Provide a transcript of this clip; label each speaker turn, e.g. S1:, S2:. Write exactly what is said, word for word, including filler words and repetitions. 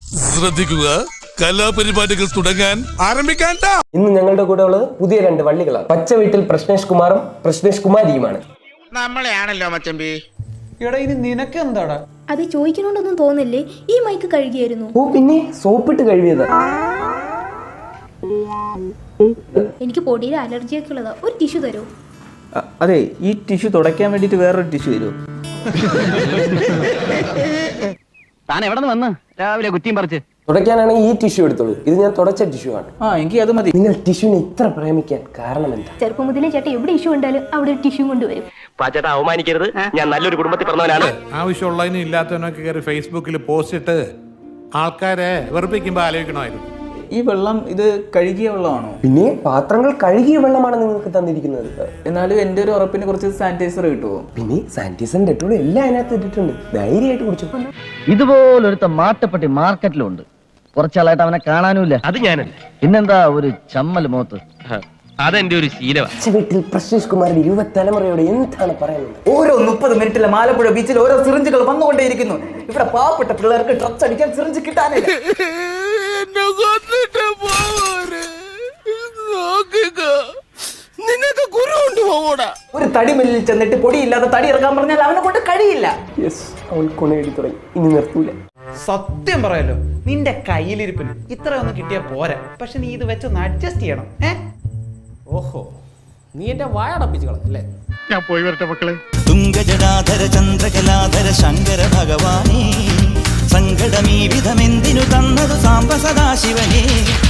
S1: ശ്രദ്ധിക്കുക, കലാപരിപാടികൾ തുടങ്ങാൻ ആരംഭിക്കാൻ.
S2: ഇന്ന് ഞങ്ങളുടെ കൂടെ ഉള്ളത് പുതിയ രണ്ട് വള്ളികളാണ്. പച്ച വീട്ടിൽ പ്രശ്നേഷ് കുമാറും പ്രശ്നേഷ് കുമാരിയുമാണ്.
S3: നമ്മളെയാണല്ലോ മച്ചമ്പി.
S4: എടാ ഇനി നിനക്ക് എന്താടാ?
S5: അത് ചോദിക്കണോണ്ടൊന്നും തോന്നില്ലേ? ഈ മൈക്ക് കഴുകിയായിരുന്നു.
S2: ഓ പിന്നെ സോപ്പിട്ട് കഴുകിയത്.
S5: എനിക്ക് പൊടിയുടെ അലർജിയൊക്കെ ഉള്ളതാ. ഒരു ടിഷ്യൂ തരൂ.
S6: അതെ, ഈ ടിഷ്യൂ തുടയ്ക്കാൻ വേണ്ടിട്ട് വേറൊരു ടിഷ്യൂ തരുമോ?
S7: താൻ എവിടെ നിന്ന് വന്ന് രാവിലെ കുറ്റിയും പറിച്ച്?
S2: തുടയ്ക്കാനാണെങ്കിൽ ഈ ടിഷ്യൂ എടുത്തോളൂ. ഇത് ഞാൻ തുടച്ച ടിഷ്യൂ ആണ്.
S6: ആ എനിക്ക് അത് മതി.
S2: നിങ്ങൾ ടിഷ്യൂനെ ഇത്ര പ്രേമിക്കാൻ കാരണം എന്താ?
S5: ചെറുപ്പം മുതലേ ചേട്ടൻ എവിടെ ഇഷ്യൂ ഉണ്ടാലും അവിടെ ഒരു ടിഷ്യൂ കൊണ്ടുവരും.
S7: പാച്ചേട്ട അവമാനിക്കരുത്, ഞാൻ നല്ലൊരു കുടുംബത്തിൽ പറഞ്ഞവനാണ്.
S1: ആവശ്യമുള്ളതിനും ഇല്ലാത്തവനൊക്കെ കയറി ഫേസ്ബുക്കിൽ പോസ്റ്റ് ഇട്ട് ആൾക്കാരെ വെറുപ്പിക്കുമ്പോ ആലോചിക്കണമായിരുന്നു.
S6: ഈ വെള്ളം ഇത് കഴുകിയ വെള്ളമാണോ?
S2: പിന്നെ പാത്രങ്ങൾ കഴുകിയ വെള്ളമാണ് നിങ്ങൾക്ക് തന്നിരിക്കുന്നത്.
S6: എന്നാലും എൻ്റെ ഒരു ഉറപ്പിന് കുറച്ച് സാനിറ്റൈസർ കിട്ടുമോ?
S2: പിന്നെ സാനിറ്റൈസർ ഡെറ്റോളും എല്ലാം അതിനകത്ത് ഇട്ടിട്ടുണ്ട്. ധൈര്യമായിട്ട് കുടിച്ചു.
S7: ഇതുപോലൊരുത്ത മാട്ടപ്പെട്ടി മാർക്കറ്റിലുണ്ട്. കുറച്ചാളായിട്ട് അവനെ കാണാനുമില്ല. അത് ഞാനല്ല, പിന്നെന്താ ഒരു ചമ്മൽ മോത്ത്. അതെന്റെ ഒരു ശീലമാണ്.
S2: വീട്ടിൽ പ്രശ്നേഷ് കുമാറിന്റെ യുവതലമുറയോട് എന്താണ് പറയുന്നത്?
S6: ഓരോ മുപ്പത് മിനിറ്റിലെ ആലപ്പുഴ ബീച്ചിൽ ഓരോ സിറിഞ്ചുകൾ വന്നുകൊണ്ടേയിരിക്കുന്നു. ഇവിടെ പാവപ്പെട്ട പിള്ളേർക്ക് ഡ്രഗ്സ് അടിക്കാൻ സിറിഞ്ച് കിട്ടാനില്ല.
S1: നിനക്ക് കുരുണ്ട് പോകൂടാ.
S6: ഒരു തടിമില്ലിൽ ചെന്നിട്ട് പൊടിയില്ലാതെ തടി ഇറക്കാൻ പറഞ്ഞാൽ അവനെ കൊണ്ട് കഴിയില്ല.
S2: യെസ്, അവൾ കൊണയടി തുടങ്ങി. ഇനി നിർത്തൂല.
S4: സത്യം പറയാലോ, നിന്റെ കയ്യിലിരിപ്പിന് ഇത്രയൊന്നും കിട്ടിയാ പോരാ. പക്ഷെ നീ ഇത് വെച്ചൊന്ന് അഡ്ജസ്റ്റ് ചെയ്യണം. ഏ ഓഹോ, നീ എന്റെ വായടപ്പിച്ച് കളഞ്ഞല്ലേ?
S1: ഞാൻ പോയി വരട്ടെ മക്കളെ.
S8: തുംഗജടാധര ചന്ദ്രകലാധര ശങ്കര ഭഗവാനേ, സങ്കടമീ വിധമെന്തിനു തന്നതു സാംബ സദാശിവനേ.